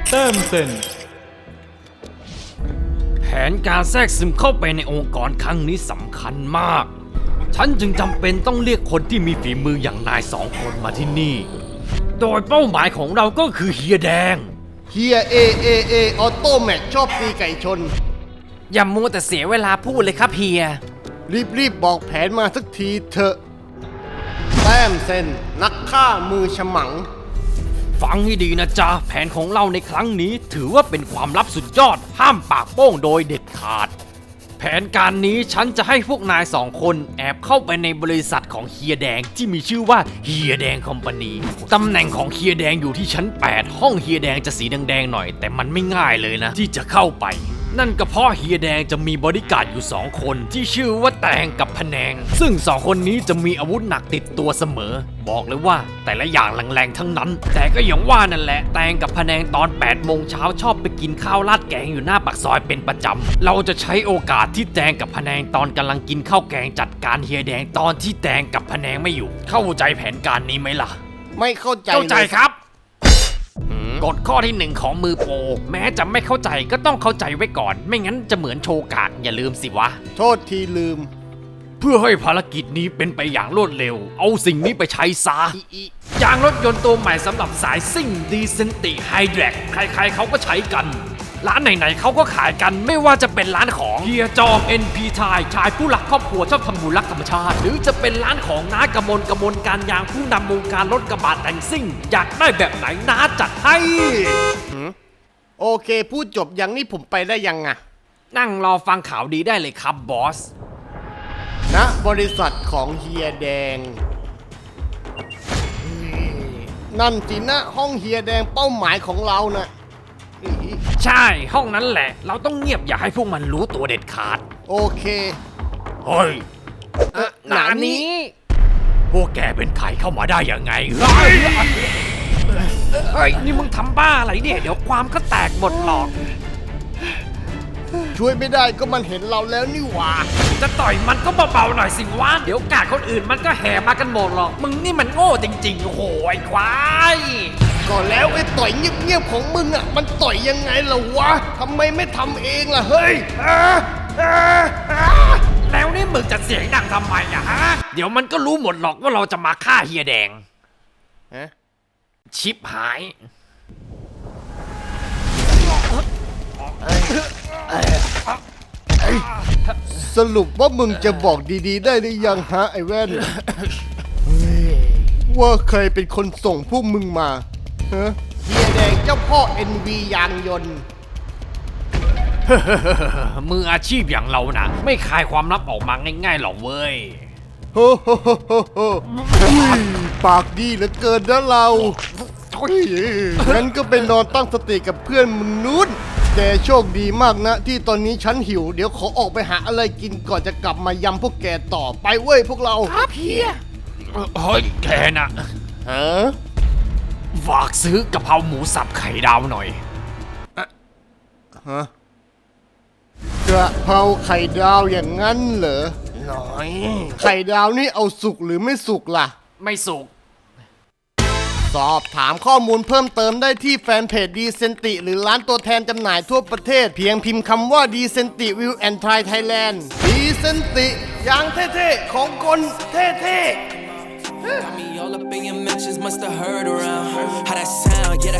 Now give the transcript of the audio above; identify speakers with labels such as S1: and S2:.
S1: แต้มเซ็น
S2: แผนการแทรกซึมเข้าไปในองค์กรครั้งนี้สำคัญมากฉันจึงจำเป็นต้องเรียกคนที่มีฝีมืออย่างนาย2 คนมาที่นี่โดยเป้าหมายของเราก็คือเฮียแดง
S3: เฮียเอออโต้แมทชอบตีไก่ชน
S2: อย่ามัวแต่เสียเวลาพูดเลยครับเฮีย
S3: รีบบอกแผนมาสักทีเถอะแต้มเซนนักฆ่ามือฉมัง
S2: ฟังให้ดีนะจ๊ะแผนของเราในครั้งนี้ถือว่าเป็นความลับสุดยอดห้ามปากโป้งโดยเด็ดขาดแผนการนี้ฉันจะให้พวกนาย2 คนแอบเข้าไปในบริษัทของเฮียแดงที่มีชื่อว่าเฮียแดงคอมพานีตำแหน่งของเฮียแดงอยู่ที่ชั้น8ห้องเฮียแดงจะสีแดงๆหน่อยแต่มันไม่ง่ายเลยนะที่จะเข้าไปนั่นก็เพราะเฮียแดงจะมีบริการดอยู่2 คนที่ชื่อว่าแตงกับพะแนงซึ่ง2 คนนี้จะมีอาวุธหนักติดตัวเสมอบอกเลยว่าแต่ละอย่างแรงๆทั้งนั้นแต่ก็อย่างว่านั่นแหละแตงกับพะแนงตอน8 โมงเช้าชอบไปกินข้าวราดแกงอยู่หน้าปากซอยเป็นประจำเราจะใช้โอกาสที่แตงกับพะแนงตอนกำลังกินข้าวแกงจัดการเฮียแดงตอนที่แตงกับพะแนงไม่อยู่เข้าใจแผนการนี้ไหมล่ะ
S3: ไม่เข้าใจ
S2: ครับกฎข้อที่1ของมือโปรแม้จะไม่เข้าใจก็ต้องเข้าใจไว้ก่อนไม่งั้นจะเหมือนโชกากอย่าลืมสิวะ
S3: โทษทีลืม
S2: เพื่อให้ภารกิจนี้เป็นไปอย่างรวดเร็วเอาสิ่งนี้ไปใช้ซะยางรถยนต์ตัวใหม่สำหรับสายซิ่งดีเซนติไฮแดรกใครๆเขาก็ใช้กันร้านไหนๆเขาก็ขายกันไม่ว่าจะเป็นร้านของเฮียจอม NP ชายผู้รักครอบครัวชอบทำบุญรักธรรมชาติหรือจะเป็นร้านของน้ากมลการยางผู้นำวงการรถกระบะแต่งซิ่งอยากได้แบบไหนน้าจัดให้
S3: โอเคพูดจบอย่างนี้ผมไปได้ยังอะ
S2: นั่งรอฟังข่าวดีได้เลยครับบอส
S3: ณบริษัทของเฮียแดงนั่นสินะห้องเฮียแดงเป้าหมายของเรานะ
S2: ใช่ห้องนั้นแหละเราต้องเงียบอย่าให้พวกมันรู้ตัวเด็ดขาด
S3: โอเค
S2: เฮ้ยหนานี้พวกแกเป็นใครเข้ามาได้ยังไงเฮ้ยนี่มึงทำบ้าอะไรเนี่ยเดี๋ยวความก็แตกหมดหรอก
S3: ช่วยไม่ได้ก็มันเห็นเราแล้วนี่หว่า
S2: จะต่อยมันก็เบาๆหน่อยสิวะเดี๋ยวกาดคนอื่นมันก็แห่มากันหมดหรอกมึงนี่มันโง่จริงๆโอ้โหไอ้ควาย
S3: ก็แล้วไอ้ต่อยเงียบๆของมึงอ่ะมันต่อยยังไงล่ะวะทำไมไม่ทำเองล่ะเฮ้ย
S2: แล้วนี่มึงจะเสียงดังทำไมอะฮะเดี๋ยวมันก็รู้หมดหรอกว่าเราจะมาฆ่าเฮียแดงชิบหาย
S3: สรุปว่ามึงจะบอกดีๆได้หรือยังฮะไอ้แว่นว่าใครเป็นคนส่งพวกมึงมาฮะเฮียแดงเจ้าพ่อ NV ยางยนต์
S2: มืออาชีพอย่างเรานะไม่คายความลับออกมาง่ายๆหรอกเว้ย
S3: โฮปากดีเหลือเกินนะเรางั้นก็ไปนอนตั้งสติกับเพื่อนมึงนู้นแกโชคดีมากนะที่ตอนนี้ฉันหิวเดี๋ยวขอออกไปหาอะไรกินก่อนจะกลับมายำพวกแกต่อไปเว้ยพวกเรา
S2: ครับเฮียเฮ้ยแกน่ะฝากซื้อกะเพราหมูสับไข่ดาวหน่อย
S3: กระเพราไข่ดาวอย่างนั้นเหรอหน่อยไข่ดาวนี่เอาสุกหรือไม่สุกล่ะ
S2: ไม่สุก
S3: สอบถามข้อมูลเพิ่มเติมได้ที่แฟนเพจดีเซนติหรือร้านตัวแทนจำหน่ายทั่วประเทศเพียงพิมพ์คำว่าดีเซนติวิวแอนด์ทรายไทยแลนด์ดีเซนติอย่างเท่ๆของคนเท่ๆ